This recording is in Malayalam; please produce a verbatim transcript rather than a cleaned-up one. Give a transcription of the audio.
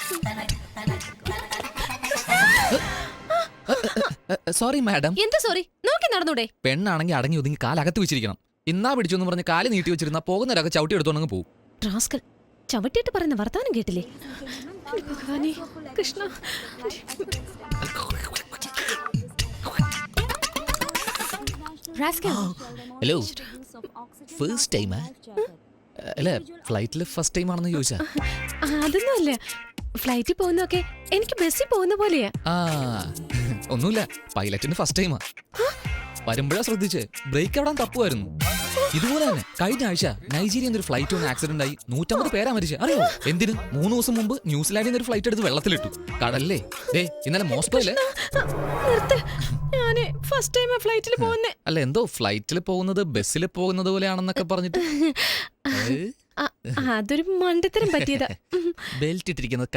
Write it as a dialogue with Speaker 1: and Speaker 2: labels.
Speaker 1: Sorry madam.
Speaker 2: എന്താ സോറി? നോക്കി നടന്നൂടെ?
Speaker 1: പെണ്ണാണെങ്കിൽ അടങ്ങി ഒതുങ്ങി കാലകത്ത് വെച്ചിരിക്കണം. ഇന്നാ പിടിച്ചെന്ന് പറഞ്ഞ് കാല് നീട്ടി വെച്ചിരുന്ന പോകുന്നവരൊക്കെ ചവിട്ടി എടുത്തോണ്ടെങ്കിൽ പോകും.
Speaker 2: റാസ്കൽ, ചവിട്ടിയിട്ട് പറയുന്ന വർത്താനം കേട്ടില്ലേ? ഭഗവാനേ, കൃഷ്ണ.
Speaker 1: ഹലോ, ഫസ്റ്റ് ടൈമാ? അല്ല, ഫ്ലൈറ്റിൽ ഫസ്റ്റ് ടൈം ആണെന്ന് ചോദിച്ചാ?
Speaker 2: അതൊന്നും അല്ല, ഫ്ലൈറ്റിൽ പോകുന്നൊക്കെ എനിക്ക് ബസ്സിൽ പോകുന്ന പോലെയാ.
Speaker 1: ആ, ഒന്നുമില്ല, പൈലറ്റിന് ഫസ്റ്റ് ടൈമാ. വരുമ്പോഴാ ശ്രദ്ധിച്ച് ബ്രേക്ക് എവിടാൻ തപ്പുമായിരുന്നു. ഇതുപോലെ തന്നെ കഴിഞ്ഞ ആഴ്ച നൈജീരിയ ഒരു ഫ്ലൈറ്റ് ഒന്ന് ആക്സിഡന്റ് ആയി നൂറ്റമ്പത് പേരാ മരിച്ചു. അറിയോ എന്തിന്? മൂന്ന് ദിവസം മുമ്പ് ന്യൂസിലാൻഡിൽ നിന്ന് ഒരു ഫ്ലൈറ്റ് എടുത്ത് വെള്ളത്തിലിട്ടു. കടല്ലേ ദേ ഇന്നലെ മോസ്കോയിലെ.
Speaker 2: ഫസ്റ്റ് ടൈം ഫ്ലൈറ്റിൽ പോകുന്നേ.
Speaker 1: അല്ല, എന്തോ ഫ്ലൈറ്റിൽ പോകുന്നത് ബസ്സിൽ പോകുന്നത് പോലെയാണെന്നൊക്കെ പറഞ്ഞിട്ട്
Speaker 2: അതൊരു മണ്ടത്തരം പറ്റിയതാ.
Speaker 1: ബെൽറ്റ് ഇട്ടിരിക്കുന്നത്